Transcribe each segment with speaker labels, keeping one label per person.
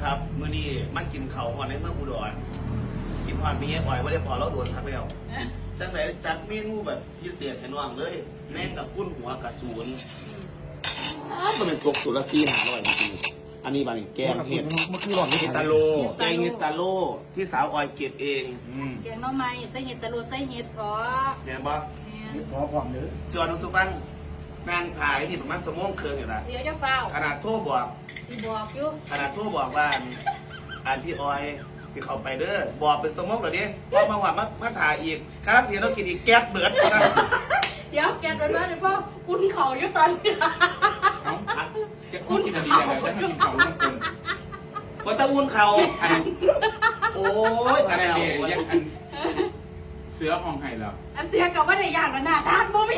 Speaker 1: ครับมื้อนี้มันกินเขาก่อนในเมืองอุดรกินพอนมีอ้อยว่าได้พอเราโดนทักแล้วจังไหนจัดเมนูแบบพิเศษให้น้องเลยแม่งกับกุ้นหัวกระสุนมันเป็นตกสุรซี500จริงๆอันนี้บางแกงเห็ด
Speaker 2: มันคือหลอด
Speaker 1: เห็ดตาโลแกงเห็ดตาโลที่สาวออยเก็บเอง
Speaker 3: แกงหน่อไม้ใส่เห็ดตะลุใส่เห็ดพอ
Speaker 1: เนี่ยบ่
Speaker 2: พอพร้อมเลย
Speaker 1: ส่วนน้องสุบังนางขายนี่ประมาณ1 โมงครึ่งอยู่นะ
Speaker 3: เดี๋ยวจะเฝ้า
Speaker 1: ขนาดโทรบอก
Speaker 3: สิบอกอยู่
Speaker 1: ขนาดโทรบอกว่าอันพี่ออยสิเข้าไปเด้อบอกเป็น1 โมงเดี๋ยวนี้ว่ามาหวานมาถ่ายอีกครับเสียเรากินอีกแก๊สเบิดนะ
Speaker 3: เดี๋ยวแกงไปเลยพ่อคุณเขาอยู่ตอนนี้
Speaker 4: เอ้าจะพูดกินอะไรแล้วจะไม่กินเขาลูกคน
Speaker 1: ว่าตะอุ่นเขาโอ้ย
Speaker 4: อะ
Speaker 1: อะไร ไร
Speaker 4: เนี่ยยังอันเสือห้องไห้แล้ว
Speaker 3: อันเสียกับว่าได้อย่างกันหน้าทานบ่มี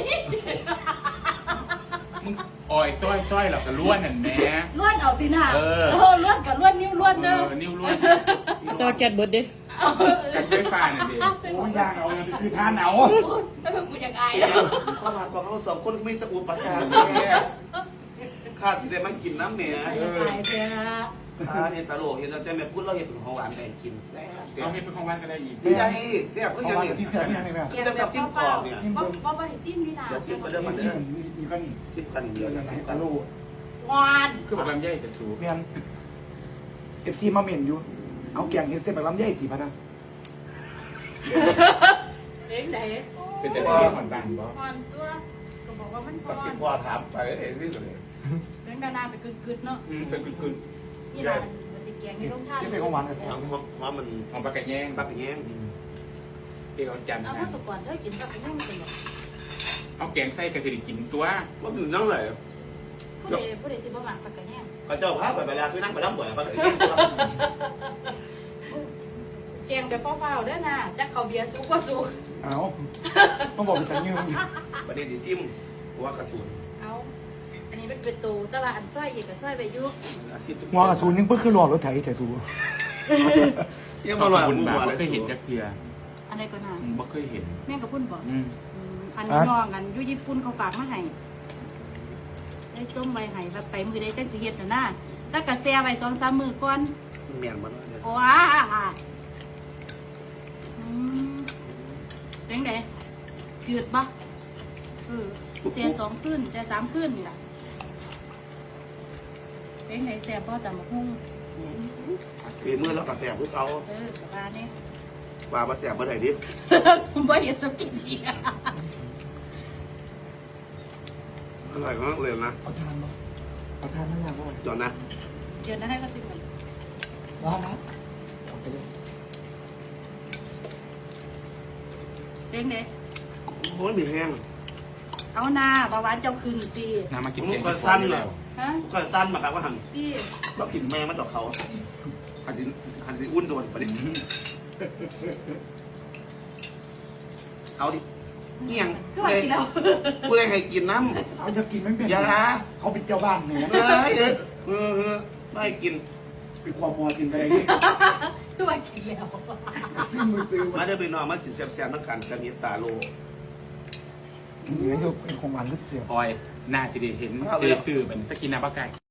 Speaker 4: มึงอ่อยซ้อยหรอกกระล้วนนั่นแหม่
Speaker 3: ล้วนเอาตีหน้า
Speaker 4: เออ
Speaker 3: ล้วนกับล้วนนิ้วล้วนเด้อ
Speaker 4: นิ้วล้วน
Speaker 5: ตัวแกดเบิร์ดเด้
Speaker 4: แต่ไฟฟ้านั่นเอง
Speaker 2: โอ้ยยากเอาไปซื้อทานเอา
Speaker 3: ไม่เป็นกูยังไง
Speaker 1: ข้าวผัดของเรา2 คนไม่ตะอุ่นประสาทแม่ข้าสิได้มากินน้ำแม่
Speaker 3: ยังไงเสีย
Speaker 1: เห็นตะโลเห็นแต่แม่พูดเราเห็นเป็นของหวานแม่กินแซ่บ
Speaker 4: เอาให้เป็นของวันก็ได้อีก
Speaker 1: ไม่ได้แซ่บก็
Speaker 2: เอา
Speaker 1: ยัง
Speaker 2: มา
Speaker 1: เนี่ย
Speaker 2: ที่เสียเนี่ยไงแม่
Speaker 3: แกงแบบเฝ้าๆบ่บ่ได้ซิมนี่นะ
Speaker 1: เดี๋ยวซิมก็เริ่ม
Speaker 2: นี่
Speaker 1: มา
Speaker 2: สิ
Speaker 1: เด้อ
Speaker 2: นี่ก็นี่
Speaker 1: ซิมกันเดียวนะ
Speaker 2: ใส่
Speaker 1: ซิม
Speaker 2: ตะ
Speaker 1: กัน
Speaker 2: โล
Speaker 3: หวาน
Speaker 4: คือบอกลำไยจะสูบ
Speaker 2: เมียนเอฟซีมาเมียนอยู่เอาแกงเห็ดเส้นแบบลำไยถีพะนะ
Speaker 3: เด้งไหน
Speaker 4: เป็นแต่เรื่องหวานบางบ่
Speaker 3: หวานตัวก็บอกว่ามันห
Speaker 1: ก็
Speaker 3: วา
Speaker 1: กิ
Speaker 3: น
Speaker 1: นพ่อถามไปเลยนี่สุดเลย
Speaker 3: เด้งดานาไปกึดๆเนาะ
Speaker 4: เป็นกึ่ง
Speaker 3: นี่ล่ะมันสิแกงนี่ลงท่า
Speaker 2: ที่เส้นของหวานกับแซ่
Speaker 1: ห
Speaker 2: บ
Speaker 1: อมมัน
Speaker 4: ๆของปลากระแยง
Speaker 1: ปักอย่างเงี้ย
Speaker 4: เกี่ยวจันทร์
Speaker 3: เอา
Speaker 4: นะ
Speaker 3: ข้าวสุกก่อนเธอกินกับยังเป็นแบบ
Speaker 4: เอาแกงไส้กระถิ่นกินตัว
Speaker 1: ว่าอยู่นั่งเลย
Speaker 3: ผู้ใดที่บ่มักปากกะแห้ง
Speaker 1: ก็เจ้าพาไปเวลาคือนั่งไปน้ำบ่อยปักอย่างเงี้ย
Speaker 3: แกงแบบเฝ้าๆเด้อนะจักเขาเบียร์สุกบ่สุก
Speaker 2: เอาต้องบอกเป็นตังยืม
Speaker 1: ประเด็นที่ซิมหัวกระสุน
Speaker 3: เอาอันนี้เป็นตูแต่ว่าอันซอยอีกก็ซอยไปอยู่
Speaker 1: อาซิม
Speaker 2: หัวกระสุนยังเพิ่งคือหลอดรถไถแต่สู
Speaker 1: ยังมาหล่อ
Speaker 4: บุญ
Speaker 1: มู
Speaker 4: บา
Speaker 1: หัว
Speaker 4: บ่
Speaker 1: เลย
Speaker 4: เคยเห็นจักเพีย
Speaker 3: อันใดก็น่า
Speaker 4: บ่เคยเห็น
Speaker 3: แม่งกับพุ่นบ่ อันน้องกันอยู่ญี่ปุ่นเขาฝากมาให้ได้ต้มใบไห้แบบไปมือได้จังสิเฮ็ดน่ะนะแต่ก็แซ่ไว้2-3มื้อก่อน
Speaker 1: เมียนมันเลย
Speaker 3: โอ้เป็นไงจืดปะเสีย2 คืนเสีย3 คืนนี่แหละเป็นไงแซ่บป่ะแต่มาหุ้ง
Speaker 1: ปีมือแล้วก็แสบพวกเขา
Speaker 3: กับบ้านนี่
Speaker 1: ว่ามาแสบเมื่อไหร่ดิ
Speaker 3: ผมบ่เห็นสกินอีก
Speaker 1: อร่อยมากเลยนะ
Speaker 2: เอาทานมาเอาทานไม่ยากว่า
Speaker 1: จอนนะ
Speaker 3: เดี๋ยวนะให้เขาสิมัน
Speaker 2: ร้อนนะเอาไปเลย
Speaker 3: เป็นไง
Speaker 1: โอ้ยมีแห้ง
Speaker 3: เอาหน้าบาหวานเจ้าคืนตี
Speaker 4: น้ำมากิน
Speaker 1: ผม
Speaker 4: แกง
Speaker 1: ก็
Speaker 4: ที่
Speaker 1: สั้น
Speaker 4: แล้
Speaker 1: แล้ว ว
Speaker 3: ฮะ
Speaker 1: ก็สั้นมาครับว่าหัน
Speaker 3: ตี
Speaker 1: เรากินแม่มันดอกเขาหันสิอุ่นโดนประเด็นเอาดิเงี้ยง
Speaker 3: ก็ว่ากินแล้ว
Speaker 1: กูเลยให้กินน้ำ
Speaker 2: เอาจะกินไม่เป็น
Speaker 1: อย่า
Speaker 2: เขาเป็นเจ้าบ้านเนี่ย
Speaker 1: ไม่กิน
Speaker 2: เป็นความมอกินไปเลยนี่
Speaker 3: ก็ว่ากินแล้ว
Speaker 2: ซื้อมือซื้อ
Speaker 1: มา
Speaker 2: มา
Speaker 1: เด้อไปนอนมากินแซ่บๆนักกันกันนี้ตาโล
Speaker 2: เหนือจะเป็นของหวานก็เสีย
Speaker 4: ออยน่าจะได้เห็นได้ซื้อเป็นตะกินน้ำปลาไก่